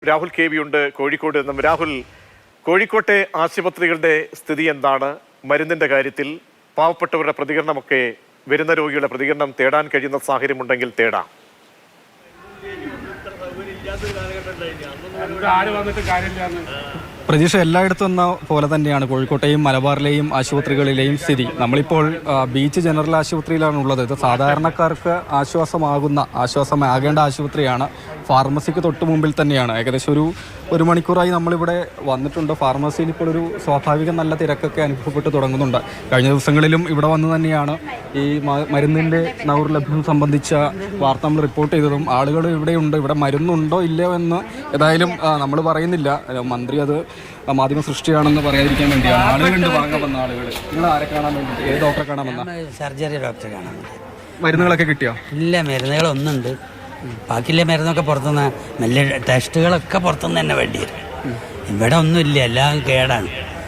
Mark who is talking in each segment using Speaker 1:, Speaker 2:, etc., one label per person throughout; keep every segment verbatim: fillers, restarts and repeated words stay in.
Speaker 1: Rahul K V ഉണ്ട് കോഴിക്കോട് നിന്നും. രാഹുൽ, കോഴിക്കോട്ടെ ആശുപത്രികളുടെ സ്ഥിതി എന്താണ്? മരുന്നിന്റെ കാര്യത്തിൽ പാവപ്പെട്ടവരുടെ പ്രതികരണമൊക്കെ, വരുന്ന രോഗിയുടെ പ്രതികരണം തേടാൻ കഴിയുന്ന സാഹചര്യമുണ്ടെങ്കിൽ തേടാം.
Speaker 2: പ്രതീക്ഷ എല്ലായിടത്തും എന്ന പോലെ തന്നെയാണ് കോഴിക്കോട്ടെയും മലബാറിലെയും ആശുപത്രികളിലെയും സ്ഥിതി. നമ്മളിപ്പോൾ ബീച്ച് ജനറൽ ആശുപത്രിയിലാണ് ഉള്ളത്. ഇത് സാധാരണക്കാർക്ക് ആശ്വാസമാകുന്ന ആശ്വാസമാകേണ്ട ആശുപത്രിയാണ്. ഫാർമസിക്ക് തൊട്ട് മുമ്പിൽ തന്നെയാണ്. ഏകദേശം ഒരു ഒരു മണിക്കൂറായി നമ്മളിവിടെ വന്നിട്ടുണ്ട്. ഫാർമസിയിൽ ഇപ്പോൾ ഒരു സ്വാഭാവിക നല്ല തിരക്കൊക്കെ അനുഭവപ്പെട്ട് തുടങ്ങുന്നുണ്ട്. കഴിഞ്ഞ ദിവസങ്ങളിലും ഇവിടെ വന്ന് തന്നെയാണ് ഈ മരുന്നിൻ്റെ ദൗർലഭ്യം സംബന്ധിച്ച വാർത്ത നമ്മൾ റിപ്പോർട്ട് ചെയ്തതും. ആളുകൾ ഇവിടെയുണ്ട്, ഇവിടെ മരുന്നുണ്ടോ ഇല്ലയോ എന്ന് ഏതായാലും നമ്മൾ പറയുന്നില്ല. മന്ത്രി അത് മാധ്യമ സൃഷ്ടിയാണെന്ന് പറയാതിരിക്കാൻ വേണ്ടിയാണ്. ആളുകളുണ്ട്, വാങ്ങാൻ വന്ന ആളുകൾ. നിങ്ങൾ ആരെ കാണാൻ വേണ്ടി, ഏത് ഡോക്ടറെ കാണാൻ വന്ന?
Speaker 3: സർജറി ഡോക്ടറെ കാണാൻ വേണ്ടി.
Speaker 2: മരുന്നുകളൊക്കെ കിട്ടിയോ? ഇല്ല,
Speaker 3: മരുന്നുകളൊന്നുണ്ട്. ബാക്കിയുള്ള മരുന്നൊക്കെ പുറത്തുനിന്ന്, നല്ല ടെസ്റ്റുകളൊക്കെ പുറത്തുനിന്ന് തന്നെ വേണ്ടി വരും. ഇവിടെ ഒന്നുമില്ല, എല്ലാം കേടാണ്.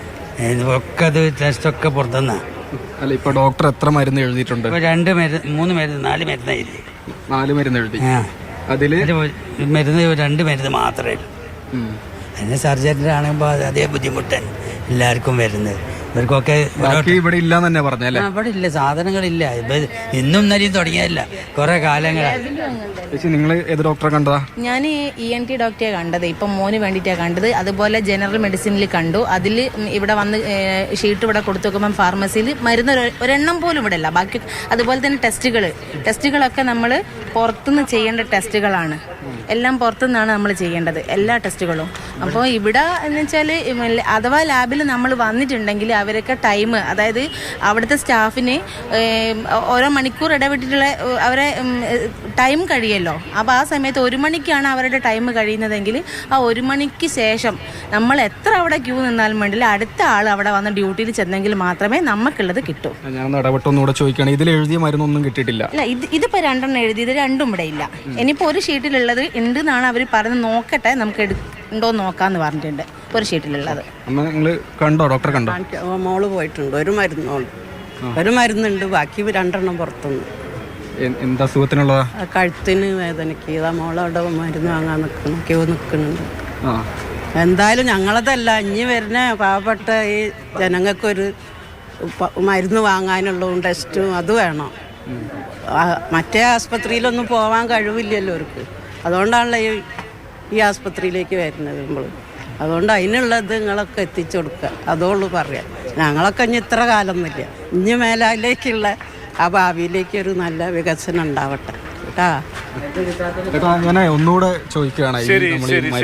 Speaker 3: ഒക്കെ അത് ടെസ്റ്റൊക്കെ പുറത്തുനിന്നാണ്.
Speaker 2: അല്ല, ഇപ്പൊ ഡോക്ടർ എത്ര മരുന്ന് എഴുതിയിട്ടുണ്ട്?
Speaker 3: രണ്ട് മരുന്ന്, മൂന്ന് മരുന്ന്, നാല് മരുന്ന് എഴുതി.
Speaker 2: നാല് മരുന്ന് എഴുതി.
Speaker 3: അതില് മരുന്ന് രണ്ട് മരുന്ന് മാത്രമേ ഉള്ളൂ. അതിന് സർജറി ആണെങ്കിൽ അതേ ബുദ്ധിമുട്ട് എല്ലാവർക്കും വരുന്നത്. ഇവർക്കൊക്കെ
Speaker 2: ഇവിടെ ഇല്ല തന്നെ പറഞ്ഞല്ലേ?
Speaker 3: ഇവിടെ ഇല്ല, സാധനങ്ങളില്ല. ഇന്നും ഇന്നലെയും തുടങ്ങിയതല്ല, കുറെ കാലങ്ങളായി.
Speaker 2: നിങ്ങൾ ഏത് ഡോക്ടറെ കണ്ടതാ?
Speaker 4: ഞാൻ ഇ എൻ ടി ഡോക്ടറെ കണ്ടത്, ഇപ്പം മോന് വേണ്ടിയിട്ടാണ് കണ്ടത്. അതുപോലെ ജനറൽ മെഡിസിനിൽ കണ്ടു. അതിൽ ഇവിടെ വന്ന് ഷീറ്റ് ഇവിടെ കൊടുത്തു നോക്കുമ്പം ഫാർമസിയിൽ മരുന്ന് ഒരെണ്ണം പോലും ഇവിടെ ഇല്ല. ബാക്കി അതുപോലെ തന്നെ ടെസ്റ്റുകൾ ടെസ്റ്റുകളൊക്കെ നമ്മൾ പുറത്തുനിന്ന് ചെയ്യേണ്ട ടെസ്റ്റുകളാണ്. എല്ലാം പുറത്തുനിന്നാണ് നമ്മൾ ചെയ്യേണ്ടത്, എല്ലാ ടെസ്റ്റുകളും. അപ്പോൾ ഇവിടെ എന്ന് വെച്ചാൽ അഥവാ ലാബിൽ നമ്മൾ വന്നിട്ടുണ്ടെങ്കിൽ അവരൊക്കെ ടൈം, അതായത് അവിടുത്തെ സ്റ്റാഫിന് ഓരോ മണിക്കൂർ ഇടവിട്ടിട്ടുള്ള അവരെ ടൈം കഴിയല്ലോ. അപ്പോൾ ആ സമയത്ത് ഒരു മണിക്കാണ് അവരുടെ ടൈം കഴിയുന്നതെങ്കിൽ ആ ഒരു മണിക്ക് ശേഷം നമ്മൾ എത്ര അവിടെ ക്യൂ നിന്നാലും വേണ്ടില്ല, അടുത്ത ആൾ അവിടെ വന്ന് ഡ്യൂട്ടിയിൽ ചെന്നെങ്കിൽ മാത്രമേ നമുക്കുള്ളത് കിട്ടൂ.
Speaker 2: ഞാൻ ഇടപെട്ടൊന്നുകൂടെ ചോദിക്കുകയാണ്, ഇതിൽ എഴുതിയ മരുന്നൊന്നും കിട്ടിയിട്ടില്ല?
Speaker 4: അല്ല, ഇത് ഇതിപ്പോൾ രണ്ടെണ്ണം എഴുതിയത് രണ്ടും ഇവിടെ ഇല്ല. ഇനിയിപ്പോൾ ഒരു ഷീറ്റിലുള്ളത് ഉണ്ട് എന്നാണ് അവർ പറഞ്ഞ്, നോക്കട്ടെ നമുക്ക് എടുക്കണ്ടോ നോക്കാന്ന് പറഞ്ഞിട്ടുണ്ട്. ഒരു ഷീറ്റിലുള്ളത്
Speaker 2: കണ്ടോ? ഡോക്ടറെ കണ്ടോ?
Speaker 5: മോള് പോയിട്ടുണ്ട്. ഒരു മരുന്നോളൂ, ഒരു മരുന്നുണ്ട്, ബാക്കി രണ്ടെണ്ണം പുറത്തുനിന്ന്.
Speaker 2: എന്താ അസുഖത്തിനുള്ളതാ?
Speaker 5: കഴുത്തിന് വേദനയ്ക്ക്. ഇതാ മോളവിടെ മരുന്ന് വാങ്ങാൻ നിൽക്കുന്നു, ക്യൂ നിൽക്കുന്നുണ്ട്. എന്തായാലും ഞങ്ങളതല്ല, ഇനി വരുന്ന പാവപ്പെട്ട ഈ ജനങ്ങൾക്കൊരു മരുന്ന് വാങ്ങാനുള്ളതും ടെസ്റ്റും അത് വേണം. മറ്റേ ആസ്പത്രിയിലൊന്നും പോകാൻ കഴിവില്ലല്ലോ അവർക്ക്. അതുകൊണ്ടാണല്ലോ ഈ ഈ ആസ്പത്രിയിലേക്ക് വരുന്നത് നമ്മൾ. അതുകൊണ്ട് അതിനുള്ളത് നിങ്ങളൊക്കെ എത്തിച്ചു കൊടുക്കുക, അതോളൂ പറയാം. ഞങ്ങളൊക്കെ ഇനി ഇത്ര കാലമൊന്നുമില്ല, ഇനി മേലാലേക്കുള്ള ആ ഭാവിയിലേക്ക് ഒരു നല്ല വികസനം ഉണ്ടാവട്ടെ കേട്ടാ.
Speaker 2: അങ്ങനെ ഒന്നുകൂടെ ചോദിക്കുകയാണ്.